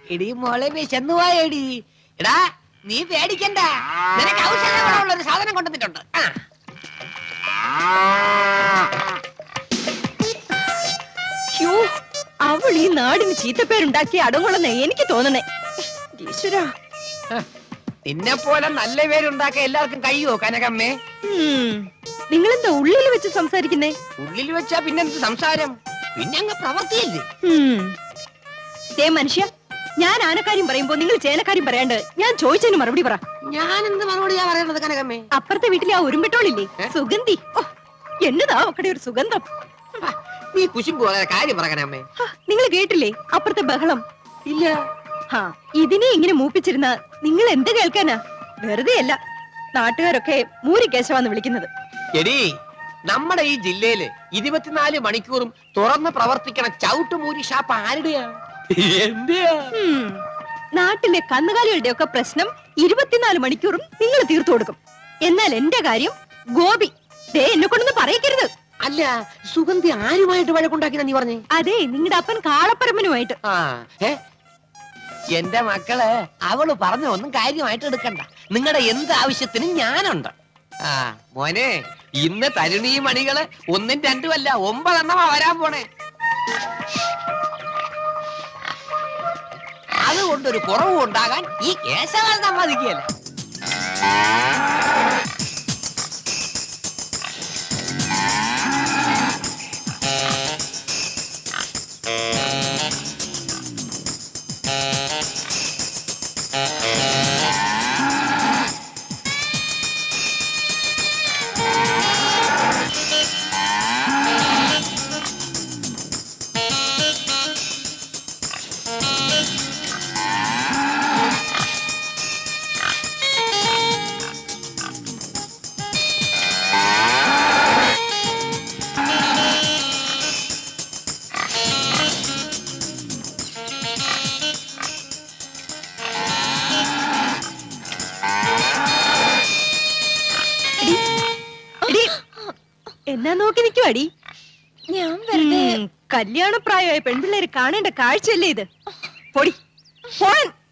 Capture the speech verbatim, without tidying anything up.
എടി മോളെ വിശന്നു പോയടി. എടാ നീ പേടിക്കണ്ട, നിനക്ക് ഔഷധമുള്ള ഒരു സാധനം കൊണ്ടുവന്നിട്ടുണ്ട്. അവൾ ഈ നാടിന് ചീത്തപ്പേരുണ്ടാക്കി അടങ്ങുള്ളെന്ന് എനിക്ക് തോന്നണേ. ഈശ്വര, നിന്നെ പോലെ നല്ല പേരുണ്ടാക്കാൻ എല്ലാവർക്കും കഴിയോ കനകമ്മേ? നിങ്ങളെന്താ ഉള്ളിൽ വെച്ച് സംസാരിക്കുന്നേ? ഉള്ളിൽ വെച്ചാ പിന്നെന്ത് സംസാരം, പിന്നെ അങ്ങ് പ്രവർത്തിയില്ലേ. ദേ മനുഷ്യ, ഞാൻ ആനക്കാര്യം പറയുമ്പോ നിങ്ങൾ ചേനക്കാര്യം പറയാണ്ട് ഞാൻ ചോദിച്ചതിന് മറുപടി പറ. ഞാൻ എന്ത് മറുപടിയാ പറയുന്നത് കനകമ്മേ? അപ്പുറത്തെ വീട്ടിലെ ആ ഉരുമ്പിട്ടോളില്ലേ, സുഗന്ധി, എന്നതാ ഒക്കടെ ഒരു സുഗന്ധം. നീ കുശുമ്പോ കാര്യം പറ കനകമ്മേ. നിങ്ങൾ കേട്ടില്ലേ അപ്പുറത്തെ ബഹളം? ഇല്ല. ഹാ, ഇതിനെ ഇങ്ങനെ മൂപ്പിച്ചിരുന്ന നിങ്ങൾ എന്ത് കേൾക്കാനാ? വെറുതെ അല്ല നാട്ടുകാരൊക്കെ മൂരി കേശവാന്ന് വിളിക്കുന്നത്. എടീ, നമ്മുടെ ഈ ജില്ലയില് ഇരുപത്തിനാല് മണിക്കൂറും തുറന്ന് പ്രവർത്തിക്കണ ചവിട്ടുമൂരി ഷാപ്പ് ആരുടെയാ? എന്റെയാ. നാട്ടിലെ കന്നുകാലികളുടെ ഒക്കെ പ്രശ്നം ഇരുപത്തിനാല് മണിക്കൂറും നിങ്ങൾ തീർത്തു കൊടുക്കും. എന്നാൽ എന്റെ കാര്യം ഗോപി ദേ എന്നെ കൊണ്ടൊന്ന് പറയിക്കരുത്. അല്ല, സുഗന്ധി ആരുമായിട്ട് വഴക്കുണ്ടാക്കിയെന്ന് നീ പറഞ്ഞേ? അതെ, നിങ്ങളുടെ അപ്പൻ കാളപ്പരമ്പനുമായിട്ട്. ആ, എന്റെ മക്കള് അവള് പറഞ്ഞ ഒന്നും കാര്യമായിട്ട് എടുക്കണ്ട. നിങ്ങളുടെ എന്ത് ആവശ്യത്തിനും ഞാനുണ്ട്. ആ മോനെ, ഇന്ന് തരുണീ മണികള് ഒന്നും രണ്ടുമല്ല ഒമ്പതെണ്ണമാ വരാൻ പോണേ. അതുകൊണ്ടൊരു കുറവും ഉണ്ടാകാൻ ഈ കേശവൻ സമ്മതിക്കുകയല്ല. എന്നാ നോക്കി നിൽക്കുവാടി? ഞാൻ വെറുതെ കല്യാണപ്രായമായ പെൺപിള്ളേര് കാണേണ്ട കാഴ്ചയല്ലേ ഇത്? പൊടി.